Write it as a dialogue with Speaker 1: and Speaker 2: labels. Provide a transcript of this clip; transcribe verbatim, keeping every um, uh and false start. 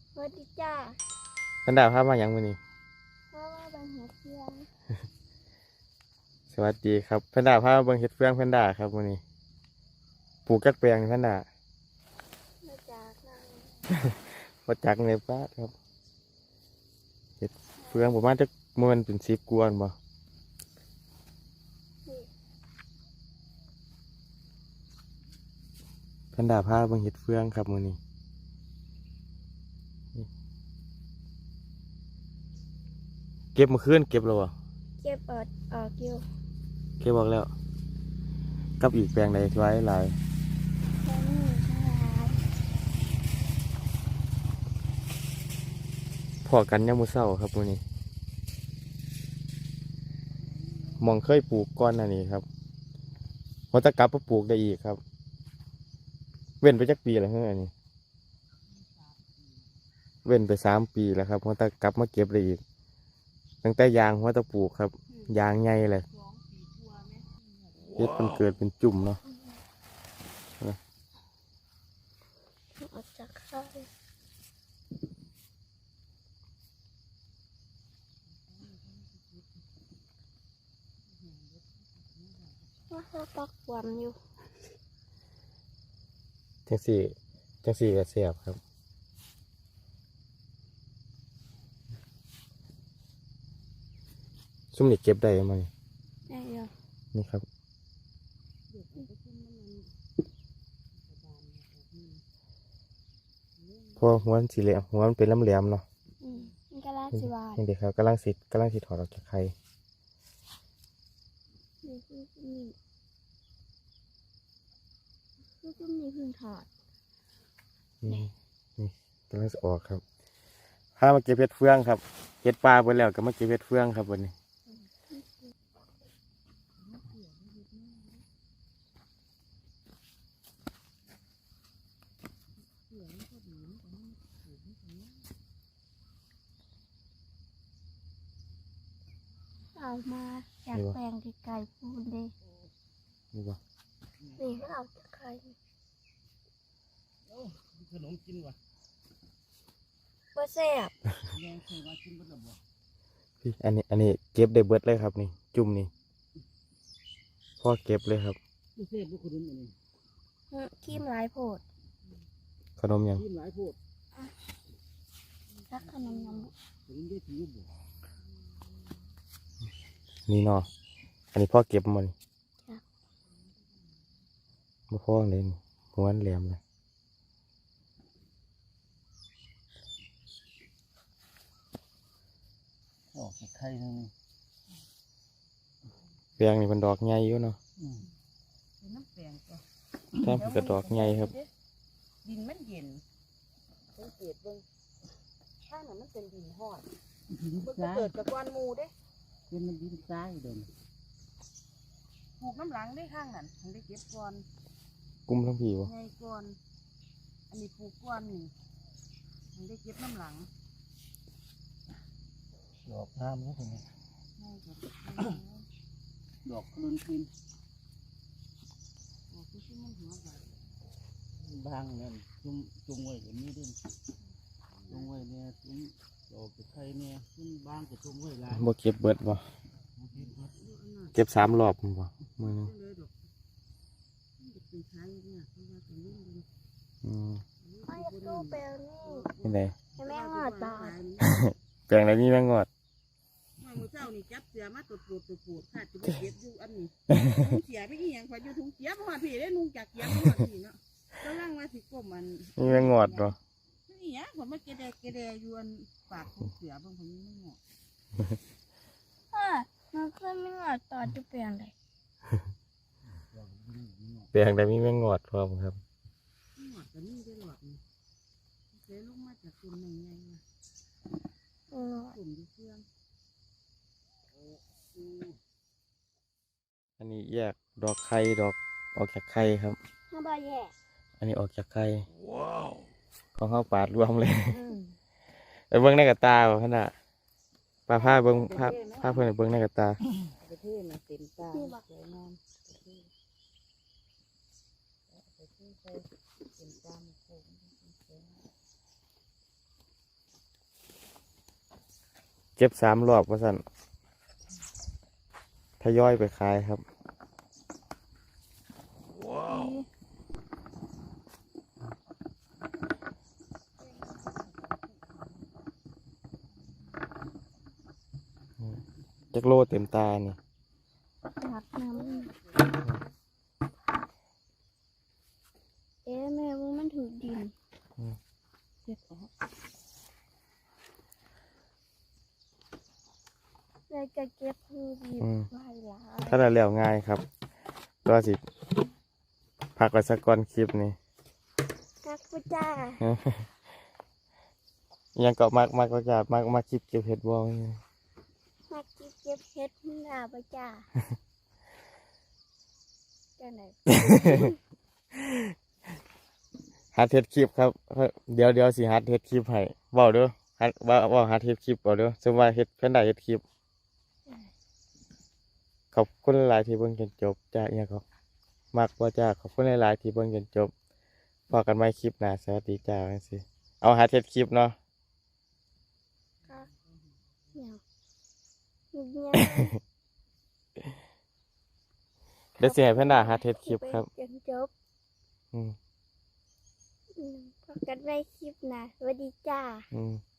Speaker 1: สวัสดีจ้า
Speaker 2: แพนด้าพามาอย่างมื้อนี้
Speaker 1: เพราะว่าบางหัวเทียง
Speaker 2: สวัสดีครับแพนด้าพามาเบิ่งเห็ดเฟืองแพนด้าครับมื้อนี้ปลูกจักแปลงนี่แพนด้า
Speaker 1: มาจากนาง
Speaker 2: บ่จักในบ้านครับเห็ดเฟืองประมาณจักมื้อมันเป็นสิบกว่าบ่แพนด้าพาเบิ่งเห็ดเฟืองครับมื้อนี้เก็บเมื่อคืนเก็บแล้วบ่
Speaker 1: เก็บออกออกอยู่
Speaker 2: เก็บออกแล้วกับอีกแปลงใดที่ไว้หลาย
Speaker 1: แค่นี้ทั้งหลาย
Speaker 2: พอกันยามมื้อเช้าครับมื้อนี้หม่องเคยปลูกก่อนหน้านี้ครับพอจะกลับมาปลูกได้อีกครับเว้นไปจักปีแล้วเฮ้ยอันนี้เว้นไปสามปีแล้วครับพอจะกลับมาเก็บได้อีกตั้งแต่ยางพอจะปลูกครับยางใหญ่เลยเฮ็ดมันเกิดเป็นจุ่มเนาะ
Speaker 1: ออกจากไข่ว่าเขาปักหวานอยู่
Speaker 2: จังสี่จังสี่ก็เสียบครับซุ่มนี่เก็บได้ไหม
Speaker 1: ได้ยัง
Speaker 2: นี่ครับเพราะหัวมันสีเหลี่ยมหัวมันเป็นแหลมๆเนาะ
Speaker 1: อืมมันก็ลาสิวาน
Speaker 2: นี่เด็กครับกำลังสิกำลังสิถอดออกจากไข่
Speaker 1: นี่คือนี่คือคือมีพึ่งถอด
Speaker 2: นี่นี่กำลังจะออกครับพามาเก็บเห็ดเฟืองครับเห็ดปลาไปแล้วก็มาเก็บเห็ดเฟืองครับวันนี้
Speaker 1: เอามาจากแปลงไกลๆพูนเด้
Speaker 2: นี่บ่
Speaker 1: นี่ก็เอาจากไข่
Speaker 3: ขนมกินวะ
Speaker 1: บ่แซ่บ
Speaker 3: ยังเคยมากินบ่ได้บ่
Speaker 2: พี่อันนี้อันนี้เก็บได้เบิดเลยครับนี่จุ่มนี่พ่อเก็บเลยครับ
Speaker 3: บ่เสพบ่ขนมอันนี้
Speaker 1: อืมขี้มหลายโพด
Speaker 2: ขนมยัง
Speaker 3: กินหลายโพด
Speaker 1: รักขนมนม
Speaker 3: ขนมได้ถือบ่
Speaker 2: นี่เนาะอันนี้พ่อเก็บมันบ่พ่อเลยนี่หัวมันแหลมเลย
Speaker 3: ออกจากไข่นึง
Speaker 2: แปลงนี่มันดอกใหญ่อยู่เนาะ
Speaker 3: อืม
Speaker 4: เป็นน้ำแปลงจ้ะ
Speaker 2: ถ้ามันก็ดอกใหญ่ครับ
Speaker 4: ดินมันเย็นสังเกตเบิ่งข้างนั้นมันเป็นดินหอด
Speaker 3: ดิน
Speaker 4: มัน
Speaker 3: ทราย
Speaker 4: เกิดจากก้อนหมูเด้
Speaker 3: เป็นมันดินทรายเดิน
Speaker 4: ปลูกน้ำหลังได้ข้างนั้นถึงได้เก็บก้อน
Speaker 2: กุ้มทั้งพี่วะ
Speaker 4: ไงก้อน อันนี้ปลูกก้อนนี่ถึงได้เก็บน้ำหลัง
Speaker 3: ดอกงามแล้วคนนี้
Speaker 4: ไงก็เก็บ
Speaker 3: ดอกขนุนกิน
Speaker 4: ปลูกที่มันหัวใหญ่
Speaker 3: บางนั่นจุ่มจุ่มไว้ก็มีเด้จุ่มไว้เนี่ยจุ่มดอกจากไข่เนี่ยจุ่มบางก็จุ่มไว้หลาย
Speaker 2: บ่เก็บเบิดบ่
Speaker 3: บ่กินครับ
Speaker 2: เก็บสามรอบมันบ่มือหนึง
Speaker 4: เลยดอกมันจะเป็นช้างเนี่ยเพราะว่าเป็นรุ่นเป็น
Speaker 2: อืม
Speaker 1: ไม่อยากดูแปลงนี่
Speaker 2: นี่ไง
Speaker 1: ให้แม่งอดบาด
Speaker 2: แปลงไหนมีแมงงอด
Speaker 4: เมื่อเช้านี่จับเสือมาตรวจตรวจตรวจตรวจค่ะจะไปเก็บอยู่อันนี้ถุงเสียไปอีหยังพออยู่ถุงเสียพอพี่ได้นุ่งจากเสียพอพี่เนาะกำลังมาสิกลมมัน
Speaker 2: มีแมงงอดบ่
Speaker 4: นี่หยังผมมาเกเดเกเดอยู่อันปากถุงเสือบางคนไม่เหมาะ
Speaker 1: อ่ะมันเคยไม่งอดตอนจะแปลงเลย
Speaker 2: แปลงไหนมีแมงงอดพร้อมครับ
Speaker 4: หมดแต่นี่ได้หลอดนี่เสียลงมาจากกลุ่มหนึ่งไงวะ
Speaker 1: อืม
Speaker 4: กลุ่มที่เครื่อง
Speaker 2: อันนี้แยกดอกไข่ดอกออกจากไข่ครับ
Speaker 1: น้าบาแย่
Speaker 2: อันนี้ออกจากไข่ของเขาปาดรวมเลย
Speaker 4: อืม
Speaker 2: ไปเบิ้งในกระตาบ่ขนาดปลาผ้าเบิ้งผ้าผ้าเพื่อนไปเบิ้งในกระตา
Speaker 4: ประเทศน่ะเต็มตาสวยงามประเทศประเทศไปเต็มตาโค้ง
Speaker 2: เก็บสามรอบว่าสั่นทยอยไปขายครับจักโลเต็มตานี่
Speaker 1: หักน้ำเอ๊ะแม่ว่ามันถูกดินเก็บออกแล้วจะเก็บคือดีไว้หลาย
Speaker 2: ถ้าได้แล้วง่ายครับก็สิพักไว้สักก่อนคลิปนี้
Speaker 1: กักปะจ้า
Speaker 2: ยังก็มักมักก็จะมักมักคลิปเก็บเห็ดบอล
Speaker 1: มากินเก็บเห็ดหน้าปะจ้าจ้าไหน
Speaker 2: ฮัดเฮ็ดคลิปครับเดี๋ยวเดี๋ยวสิฮัดเฮ็ดคลิปให้เว้าเด้อฮัดว่าว่าฮัดเฮ็ดคลิปเว้าเด้อสมมุติว่าเฮ็ดเพิ่นได้เฮ็ดคลิปขอบคุณหลายๆที่เบิ่งจนจบจ้าอีหยังก็มักบ่จ้าขอบคุณหลายๆที่เบิ่งจนจบพบกันใหม่คลิปหน้าสวัสดีจ้าจังซี่เอาฮัดเฮ็ดคลิปเนาะ
Speaker 1: กักเนี่ยเนี่ย
Speaker 2: เดี๋ยวสิให้เพิ่นได้ฮัดเฮ็ดคลิปครับ
Speaker 1: จนจบ
Speaker 2: อืม
Speaker 1: อืมพบกันในคลิปหนะสวัสดีจ้า
Speaker 2: อืม